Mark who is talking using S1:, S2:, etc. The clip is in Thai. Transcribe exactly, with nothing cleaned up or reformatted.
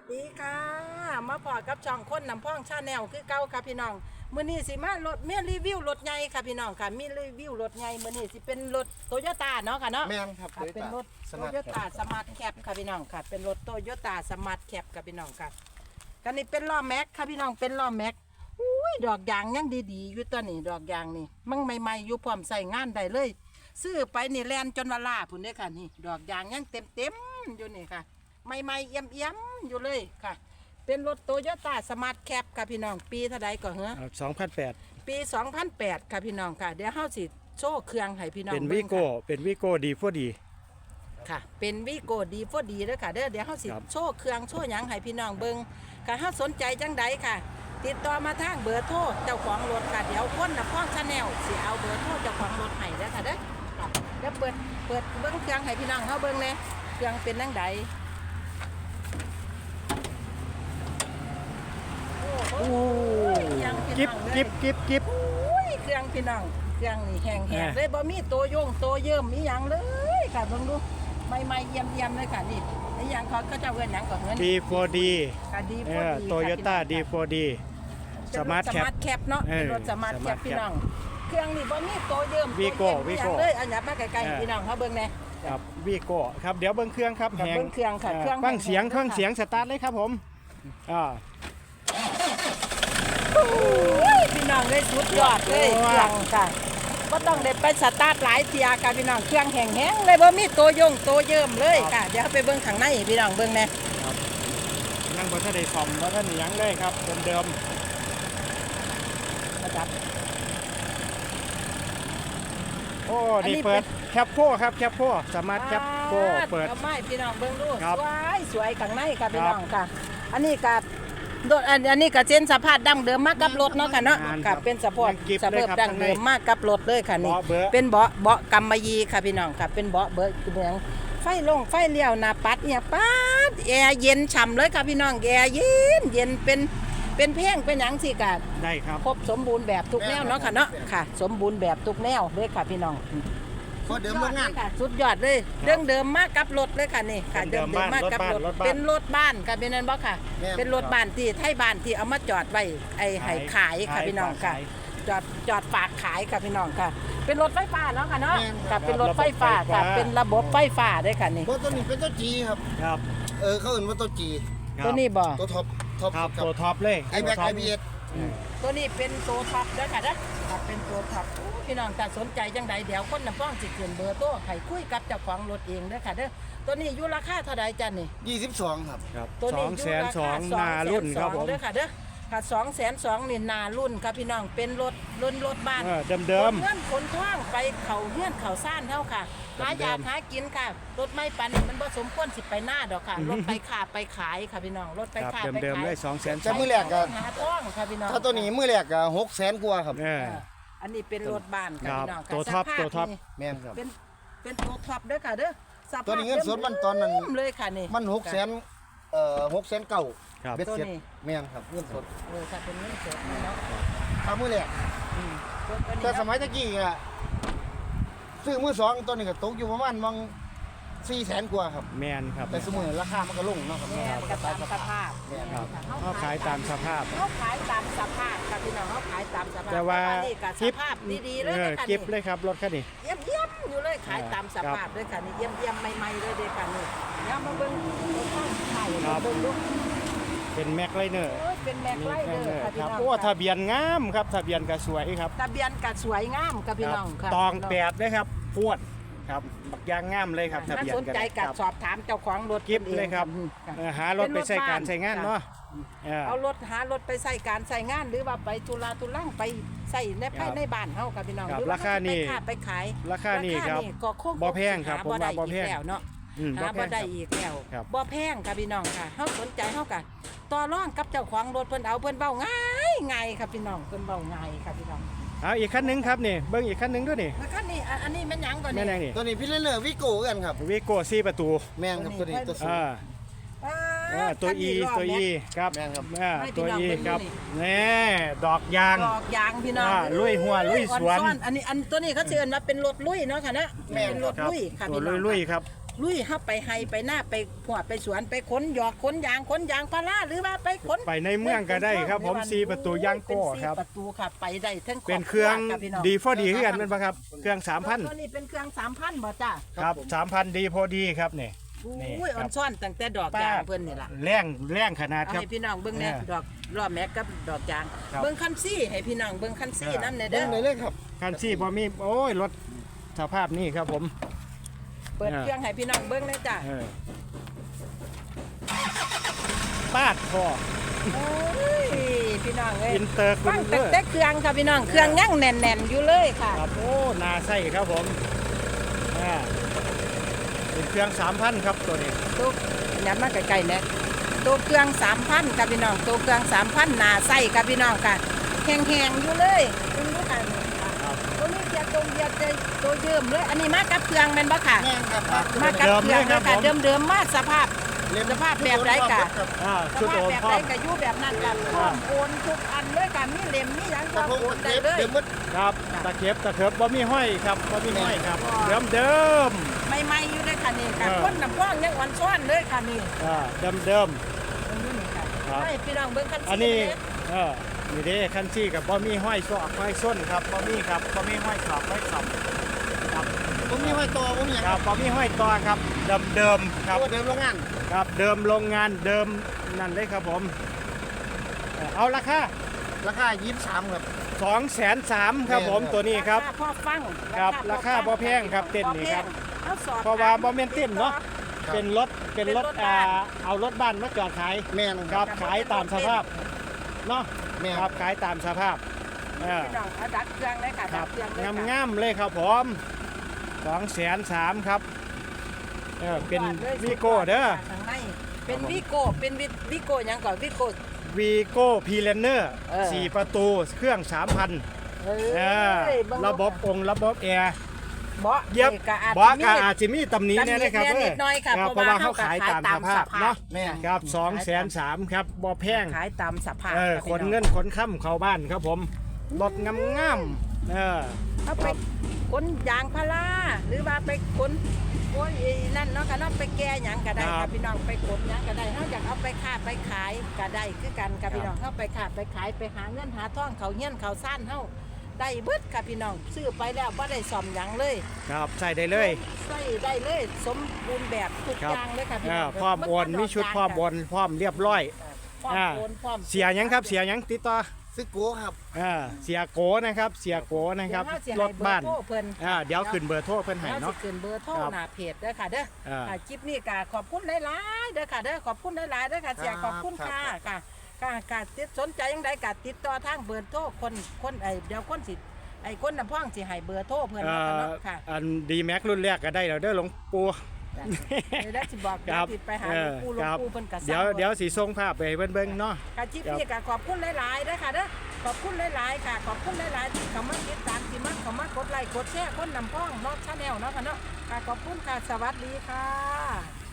S1: ดีค่ะมาพอกับช่องคนนำพ่องชาแนลคือเก่าค่ะพี่น้องมื้อนี้สิมารถเมียรีวิวรถใหญ่ค่ะพี่น้องค่ะมีรีวิวรถใหญ่มื้อนี้สิเป็นรถโตโยต้าเนาะค่ะเนาะ
S2: แม่นครับ
S1: ค่ะเป็นรถโตโยต้าสมาร์ทแคปค่ะพี่น้องค่ะเป็นรถโตโยต้าสมาร์ทแคปค่ะพี่น้องค่ะกันนี้เป็นล้อแม็กค่ะพี่น้องเป็นล้อแม็กอุ้ยดอกยางยังดีๆอยู่ตัวนี้ดอกยางนี่มั่งใหม่ๆอยู่พร้อมใส่งานได้เลยซื้อไปนี่แลนจนว่าลาพุ่นเด้อค่ะนี่ดอกยางยังเต็มๆอยู่นี่ค่ะใหม่ๆเอี่ยมๆอยู่เลยค่ะเป็นรถโตโยต้าสมาร์ทแคปค่ะพี่น้องปีเท่าใดก่อนเหรอ
S3: สองพันแปด
S1: ปีสองพันแปดค่ะพี่น้องค่ะเดี๋ยวเฮาสิโชว์เครื่องให้พี่น้อง
S3: เป็น
S1: บิ่
S3: วิ
S1: ง
S3: โก้
S1: ค่ะ
S3: เป็นวิโก้ดีฟัวดี
S1: ค่ะเป็นวิโก้ดีฟอดีเด้อค่ะเด้อเดี๋ยวเฮาสิ
S3: ครับ
S1: โชว์เครื่องโชว์หยังให้พี่น้องเบิ่งค่ะเฮาสนใจจังใดค่ะ ติดต่อมาทางเบอร์โทรเจ้าของรถค่ะเดี๋ยวคนนำพ้องชาแนลสิเอาเบอร์โทรเจ้าของรถให้เด้อค่ะเด้อค่ะเดี๋ยวเปิดเปิดเบิ่งเครื่องให้พี่น้องเฮาเบิ่งแหน่เครื่องเป็นจังใดโอ้โหเครื่องพี่
S3: กิบ
S1: น้องเลย
S3: กิบกิบกิบ
S1: อุ้ยเครื่องพี่น้องเครื่องนี่แห้งแห้ง
S3: เออ
S1: เลยบ่มีโตโยงโตเยิ่มมีหยังเลยค่ะเบิ่งดูใหม่ๆเยี่ยมเยี่ยมๆเลยค่ะนี่ไอ้หยังเขาก็จะเอิ้นหยังก่อนเงิน
S3: ดีฟัวดี
S1: ค่ะดี
S3: เอ
S1: พอ
S3: อ
S1: ดี
S3: โตโยต้าดีฟัวดีสมาร์ทแคป
S1: สมาร์ทแคปเนาะ
S3: เออ
S1: เป็นรถสมาร์ทแคป
S3: สมาร์ทแคป
S1: พี่น้องเครื่องนี่บ่มีโตเยิ่ม
S3: วีโก้
S1: โตเยี่ยมมีหยัง
S3: วีโก้
S1: เลยอันยับมาไกล
S3: เออ
S1: ๆพี่น้องเขาเบิ่งแน่
S3: ครับวิโก้ครับเดี๋ยวเบิ้งเครื่องครับ
S1: ครับ
S3: แหง
S1: เบิ่งเครื่องค่ะเครื่อง
S3: ฟังเสียง
S1: แหงๆ
S3: ฟัง
S1: ค่ะ
S3: เสียงสตาร์ทเลยครับผมอ่า
S1: โอ้ยพี่น้องเลยสุดยอดเลยเครื่องค่ะบ่ต้องได้ไปสตาร์ทหลายเที่ยค่ะพี่น้องเครื่องแห้งๆเลยบ่มีโตโยงโตเยิ่มเลยค่ะเดี๋ยวเราไปเบิ่งข้างในพี่น้องเบิ่งแน่
S3: นั่งบนท่าได้ซ่อมบนท่าได้หยังเลยครับเดิม
S1: นะครับ
S3: ๆโอ้
S1: อันนี้
S3: นี่เปิด
S1: เป็น
S3: แคปโคครับแคปโคสมาร์ทแคปโคเปิด
S1: เอาไม้พี่น้องเบิ่งดู
S3: ครับ
S1: สวยสวยข้างในค่ะพี่
S3: ครับ
S1: น้องค่ะ อันนี้กับโดดอันอันนี้กับเส้นสภาพดั้งเดิมมากกับรถเนาะค่ะเนาะ
S3: งานค
S1: กั
S3: รั
S1: บบ เป็นสภาพ
S3: ยังกิฟต์
S1: ส
S3: เลย
S1: ภาพ
S3: ครับ
S1: ดั้งเดิม
S3: ข้างใน
S1: มากกับรถเลยค่ะนี่
S3: เบาะเบอะ
S1: เป็นเบาะเบาะกำมะหยี่ค่ะพี่น้องค่ะเป็นเบาะเบอะเหมืองไฟลงไฟเลี้ยวหน้าปัดเนี่ยปัดแอร์เย็นฉ่ำเลยค่ะพี่น้องแอร์เย็นเย็นเป็นเป็นเพ่งเป็นหยังสิกะ
S3: ได้ครับ
S1: ครบสมบูรณ์แบบทุกแนวเนาะค่ะเนาะค่ะ สมบูรณ์แบบทุกแนวเลยค่ะพี่น้อง
S2: พอเดิมโรงงาน
S1: ค่ะสุดยอดเลยเรื่องเดิมมากกับรถเลยค่ะนี่ค่ะ
S3: เดิ
S1: เดิม
S3: ม
S1: เดิมมากกับรถ
S3: รถบ้าน
S1: เป็นรถบ้านค่ะเป็นนั่นบ่ค่ะ
S2: แม่น
S1: เป็นรถบ้านที่ไทยบ้านที่เอามาจอดไว้ไอ้ให้ขายค่ะ
S3: ขาย
S1: พี่น้องค่ะ
S3: ขาย
S1: จอดจอดฝากขายค่ะพี่น้องค่ะ เป็นรถไฟฟ้าเนาะค่ะเนาะ
S2: แม่น
S1: ค่ะเป็นรถไฟฟ้า
S3: ระบบไฟฟ้า
S1: ค่ะเป็นระบบไฟฟ้าด้วยค่ะนี่
S2: เพราะตัวนี้เป็นตัวจีครับ
S3: ครับ
S2: เออเขาเอื่นว่าตัวจี
S3: ครับ
S1: ตัวนี้บ่
S2: ตัวท็อปท็อป
S3: ครับ
S2: ครั
S3: ตัว
S2: บ
S3: ท็อปเลย
S2: ไอแบ็ก
S3: ตัวท็
S2: ไอ
S3: ป
S2: บีเอส
S1: ตัวนี้เป็นตัวท็อปด้วยค่ะนะครับเป็นตัวท็อปโอ้พี่น้องถ้าสนใจจังใดเดี๋ยวคนนำฟ้องสิขึ้นเบอร์โทรให้คุยกับเจ้าของรถเองเด้อค่ะเด้อตัวนี้อยู่ราคาเท่าใดจ้ะนี่
S2: ยี่สิบสองครับ
S3: ครับ
S1: ตัว
S3: ส
S1: นี้
S3: อง
S1: ยู่
S3: แสน
S1: รา
S3: สอ
S1: คาง
S3: นารุ่นครับผม
S1: เด้อค่ะเด้อค่ะสองแสนสองนี่นารุ่นครับพี่น้องเป็นรถรุ่นรถบ้าน
S3: เออเดิม
S1: ขนเงื่อนขนท่องไปเขาเงื่อนเขาซ่านเท่าค่ะหาอยากหากินค่ะรถไม่ปันมันผสมควรสิไปหน้าดอกค่ะรถไปขาไปขายค่ะพี่น้องรถไป
S3: ๆครับ
S1: ขาไป
S3: เดิม
S1: ขา
S3: ๆเลย
S1: ย
S3: สองแสน
S2: จะมือแรกก็
S1: หาท่องค่ะพี่น้อง
S2: ถ้าตัวนี้มือแรกก็หกแสนกว่าครับ
S3: เออ
S1: อันนี้เป็นรถบ้านค่ะ
S3: ครับ
S1: พี่น้องค่ะ
S3: ตัวท็อป
S1: สภาพ
S3: ตัวท็อป
S1: นี่
S2: แม่นครับ
S1: เป็นเป็นตัวท็อปเด้อค่ะเด้อสภาพ
S2: ตัวนี้เงินสดมันตอนนั้น
S1: เริ่มเลยค่ะนี่
S2: มันหกแสนเอ่อหกแสนเก่า
S3: ครับ
S2: เบ็ดเสร็จ
S1: ตัวนี้
S2: แม่นครับเงินสด
S1: เออค่ะเป็นเงินสดนี่เนาะ
S2: ถ้ามือแรก
S1: อืมตัวนี้
S2: แต่
S1: เนาะ
S2: สมัยตะกี้อะซื้อมือสองตัวนี้ก็ตกอยู่ประมาณมังสี่แสนกว่าครับ
S3: แมนครับ
S2: แต่สมมติราคามันก็ลงเนาะครับ
S1: แม่นก็ตามสภาพ
S2: แม่น
S3: ครับ
S1: ค่ะ
S3: เขาขายตามสภาพ
S1: เขาขายตามสภาพค่ะพี่น้องเขาขายตามสภาพ
S3: แต่ว่า
S1: นี่ก็ส
S3: กิฟ
S1: ภาพดีๆเลย
S3: เออ
S1: นะคะ
S3: กิฟ
S1: นี่
S3: เลยครับรถคันนี้
S1: เยี่ยมเยี่ยมๆอยู่เลยขายตามสภาพเลยค่ะนี่เยี่ยมเยี่ยมๆใหม่ๆเลยเด็กค่ะนี่เดี๋ยวมาเบิ่งรถข้างไข่
S3: ครับ
S1: เบิ่งดู
S3: เป็นแม็กไลเนอร์
S1: โอ้ยเป็นแม็กไลเดอร์ค่ะพี่
S3: ครับ
S1: น้อง
S3: โอ้ทะเบียนงามครับทะเบียนก็สวยครับ
S1: ทะเบียนก็สวยงามค่ะพี่น้องค่ะ
S3: ตองแปดเลยครับพวดครับบักยางงามเลยครับทะ
S1: ถ้า
S3: เบียน
S1: สนใจ
S3: ค
S1: กั
S3: รั
S1: บบ สอบถามเจ้าของรถ
S3: กิฟต์เลยครับ
S1: อืมะ
S3: เออหารถไปใช้การใช้งานเนาะเออ
S1: เอารถหารถไปใส่การใส่งานหรือว่าไปทุลาทุลังไปใส่ในภายในบ้านเฮาค่ะพี่น้อง
S3: ครับ
S1: หอว่
S3: ราคานี่
S1: ไปค้ไปขาย
S3: ราคานี่ครับ
S1: ก็คง
S3: บ่แพงครับ
S1: หา
S3: ผมว่า
S1: ได้
S3: บ่
S1: อีก
S3: แพง
S1: แล้วเนาะ
S3: อืม
S1: หา
S3: บ่
S1: บ่
S3: แพง
S1: ได้
S3: ครับ
S1: อีกแล้ว
S3: ครับ
S1: บ่แพงค่ะพี่น้องค่ะเฮาสนใจเฮากันต่อรองกับเจ้าของรถเพิ่นเอาเพิ่นเว้าง่ายง่ายครับพี่น้องเพิ่นเว้าง่ายครับพี่น้อง
S3: เอาอีกคันหนึงครับนี่เบิ้งอีกคันหนึงด้วยนี่
S1: แล้วคันนี้อันอันนี้แม่นหยังก่อน
S3: แม่
S1: นี่
S3: นางนี่
S2: ตัวนี้พี่เล่นเนอร์วิโก้กันครับ
S3: วีโก้สี่ประตู
S2: แม่นครับตัวนี้ตัวสูง
S3: อ่า
S1: อ่า
S3: เออตัว
S1: คัน
S3: E
S1: นี้ล้
S3: ตัว
S1: แม็
S3: E
S1: ก
S3: ครับ
S2: แม่นครับ
S3: อ่า
S1: ให้พี่
S3: ตัว
S1: น้อง
S3: E
S1: เบิ่ง
S3: ครับ
S1: ดูนี่
S3: นี่ดอกยาง
S1: ดอกยางพี่น้อง
S3: อ่าลุยหัวลุยสวน
S1: อ่อๆอันนี้อันตัวนี้เขาเชิญมาเป็นรถลุยเนาะค่ะนะ
S2: แม่น
S1: เป็นรถ
S3: ครับ
S1: ลุยค่ะ
S3: ตัว
S1: พี่น้อง
S3: ลุยๆครับ
S1: ลุยเข้าไปไฮไปหน้าไปหัวไปสวนไปขนหยอกขนยางขนยางพาราหรือว่าไปขน
S3: ไปในเมืองก็ได้ครับผมสี่ประตูย่างโก้ครับ
S1: เป็นสี่ประตูค่ะไปได้ทั้ง
S3: เป็นเครื่อง
S1: บพี่น้
S3: ดีพอดีคือกันแม่นบ่ครับเครื่องสามพัน
S1: ตัวนี้เป็นเครื่องสามพันบ่จ้า
S3: ครับสามพันดีพอดีครับนี่ นี่
S1: อุ้ย
S3: ค
S1: อ่
S3: รั
S1: อบ นซ่อนตั้งแต่ดอกยางเพิ่นนี่ล่ะ
S3: แรงแรงขนาด
S1: เอา
S3: ครับ
S1: ให้พี่น้องเบิ่งแน่
S3: เออ
S1: ดอกรอบแม็กกับดอกยาง
S3: ครับ
S1: เบิ่งคันซี่ให้พี่น้องเบิ่งคันซี่
S3: เออ
S1: นำแน่
S2: เบิ่
S1: เด้
S2: ง
S1: อ
S2: เลยเลยครับ
S3: คันซี่บ่มีโอ้ยรถสภาพนี้ครับผม
S1: เปิด
S3: เออ
S1: เครื่องให้พี่น้องเบิ่งเลยจ้ะ
S3: เออปาดคอ
S1: โอ้ยพี่น้องเอ้ย
S3: อินเตอร์คุ
S1: ฟั
S3: ณ
S1: ง
S3: เล
S1: แต่
S3: ย
S1: แต่เครื่องค่ะพี่น้องเครื่องยังแน่นๆอยู่เลยค่ะ
S3: ครับโอ้นาไส้ครับผมอ่าเป็นเครื่องสามพันครับตัวนี้
S1: ตัวยัดมาใกล้ๆเนี่ยตัวเครื่องสามพันค่ะพี่น้องตัวเครื่องสามพันหนาไส้ค่ะพี่น้องค่ะแห้งๆอยู่เลยดูดูค่ะ
S3: ครับ
S1: ตัวนี้เกียร์ตรงเกียร์ตัวเยิมเลย อันนี้มากับเครื่องแม่นบ่ค่ะ
S2: แม่นครับ
S1: มากับเครื่องเลยค่ะเดิมๆมาสภาพ
S2: เล่ม
S1: สภาพแบบไรกะ
S2: ครับ
S3: อ่า
S1: ส
S3: ชุด
S1: ภาพ
S3: โอม
S1: แบบ
S3: พร้
S1: ไร
S3: อม
S1: กะอยู่แบบนั้นกันพร้อมโอนทุกอันเลยค่ะมีเล่มมีหยังพ
S2: ก
S1: ร้
S2: ระ
S1: อม
S2: พง
S1: โอก น
S2: ระ
S1: ได้
S2: เทียบ
S1: เลย
S2: เดี๋ยวมึด
S3: ครับตะเข็บตะเข็บบ่มีห้อยครับบ่มีห้อยครับเดิมเดิม
S1: ใหม่ๆอยู่เลยค่ะนี่ค่ะ
S3: เออ
S1: คนน้ำพ่องยังอ่อนซ้อนเลยค่ะนี่
S3: ๆอ่าเดิมเดิม
S1: ตรงนี้นี่ค่ะ
S3: ครับ
S1: ให้พี่น้องเบิ่งคัน
S3: อัน
S1: ซี่
S3: นี้
S1: เลย
S3: เออนี่เด้คันซี่กับบ่มีห้อยซอกห้อยส้นครับบ่มีครับบ่มีห้อยขอบห้อยขอบครับ
S2: ผมมีห้อยตัวผมมีหยัง
S3: ครับบ่มีห้อยต่อครับเดิมเดิมๆครับ
S2: ตัวเดิมโรงงาน
S3: ครับเดิมโรงงานเดิมนั่นเลยครับผมเอ่อเอาราคา
S2: ราคายี่สิบสามครับ
S3: สองแสนสามครับผมตัวนี้ครับ
S1: าาพ่อฟัง
S3: ครับ
S1: พ่อ
S3: ราคาบ่แพงครับเต้นนี่ครับ
S1: เอาสอบ
S3: เพราะว่าบ่แม่นเต้นเนาะ
S2: ครับ
S3: เป็นรถเป็นรถ
S1: เป็นรถ
S3: อ่า
S1: บ้าน
S3: เอารถบ้านมาจอดขาย
S2: แม่น
S3: ค
S2: ค
S3: รั
S2: รั
S3: บบ ขายตามสภาพเนาะ
S2: แม่น
S3: ครับขายตามสภาพเออ
S1: พี่น้องเอาดัดเครื่องเลยค่ะ
S3: ค
S1: ดั
S3: รั
S1: ด
S3: บ
S1: เครื่องเลย
S3: งาม
S1: ค่ะ
S3: งามๆเลยครับผมสองแสนสามครับเออเป็น
S1: สุดยอดลย
S3: วีโก้เด้อ
S1: ข้างในเป็นวิโก้เป็นวิวิโก้หยังก่อนวิโก้
S3: วีโก้พีเลนเนอร์
S1: เออ
S3: สี่ประตูเครื่องสามพัน
S1: เอ้
S3: เอย อ
S1: เง
S3: ระบบองค์ระบบแอร์
S1: เบาะ
S3: เย็บ
S1: นี่ก็อาจ
S3: บอก
S1: จะมี
S3: ก็อาจจะมีตำหนี้เนี่ยนะครับ
S1: ตำหนินิดหน่อยค่ะ
S3: รับ
S1: เพ
S3: เพราะ
S1: ราะ
S3: ว่า
S1: ว่า
S3: เขาขายตามสภาพเนาะ
S2: แม่น
S3: ครับสองแสนสามครับบ่แพง
S1: ขายตามสภาพ
S3: เออ
S1: ค่ะ
S3: ข
S1: พี่
S3: น
S1: อง
S3: เงินขนค่ำเข้าบ้านครับผมรถงามงามๆเออ
S1: เอาไปขนยางพาราหรือว่าไปขนโอ้ยนั่นเนาะค่ะเนาะไปแก่หยังก็ได้
S3: ครั
S1: ค่ะ
S3: บ
S1: พี่น้องไปขนหยังก็ได้เฮาอยากเอาไปค้าไปขายก็ได้คือกันค่ะพี่น้องเฮาไปค้าไปขายไปหาเงินหาทองเขาเฮียนเขาซ่านเฮาได้เบิดค่ะพี่น้องซื้อไปแล้วบ่ได้ซ่อมหยังเลย
S3: ครับใส่ได้เลย
S1: ใส่ได้เลยสมบูรณ์แบบทุก
S3: ครับ
S1: อย่างเลยค่ะพี่
S3: เอ
S1: น้
S3: อ
S1: อง
S3: พร้อมโอนมีชุดพร้อมโอนพร้อมเรียบร้อย
S1: พร้อม
S3: อ่า
S1: โอนพร้อม
S3: เสียหยังครับเสียหยังติดต่อ
S2: ซึกโกครับ
S3: เออเสียโกนะครับเสียโกนะครับ
S1: เดี๋ยวเฮาสิ
S3: ร
S1: ให้
S3: ถบ้าน
S1: เอร์โทรเพิ่น
S3: อ่าเดี๋ยวขึ้นเบอร์โทรเพิ่นให้
S1: เฮาสิ
S3: เนาะ
S1: ขึ้นเบอร์โทร
S3: ครับ
S1: หน้าเพจเด้อค่ะเด้อ
S3: อ่า
S1: ค่ะคลิปนี้ก็ขอบคุณหลายๆเด้อค่ะเด้อขอบคุณหลายๆเด้อค่ะเสีย
S2: ครับ
S1: ขอบคุณค่ะ
S2: ครับ
S1: ค่ะค่ะค่ะติดสนใจยังไงก็ติดต่อทางเบอร์โทรคนคนไอเดี๋ยวคนสิไอคนน้ำพ่องสิให้เบอร์โทรเพิ่น
S3: เอ่
S1: เนาะค่ะ
S3: อ
S1: เนาะค่ะ
S3: อันดีแม็กรุ่นแรกก็ได้แล้วเด้อหลวงปู่
S1: เดี๋ยวได้สิบอก
S3: ค
S1: เดี๋ย
S3: รั
S1: ว
S3: บ
S1: สิไปหา
S3: เอ
S1: หลว
S3: อง
S1: ปู่หลว
S3: ค
S1: ง
S3: รับ
S1: ปู่เพิ่นก็สั่ง
S3: เดี๋ยว
S1: ไ
S3: เดี๋ยวสีส่งภาพไปให้เบิ่งๆเนาะ
S1: ค่ะคลิปนี้ก็ขอบคุณหลายๆเด้อค่ะเด้อขอบคุณหลายๆค่ะขอบคุณหลายๆที่เข้ามาติดตามที่มาเข้ามากดไลค์กดแชร์คนน้ำพ่องเนาะชาแนลเนาะค่ะเนาะค่ะขอบคุณค่ะสวัสดีค่ะ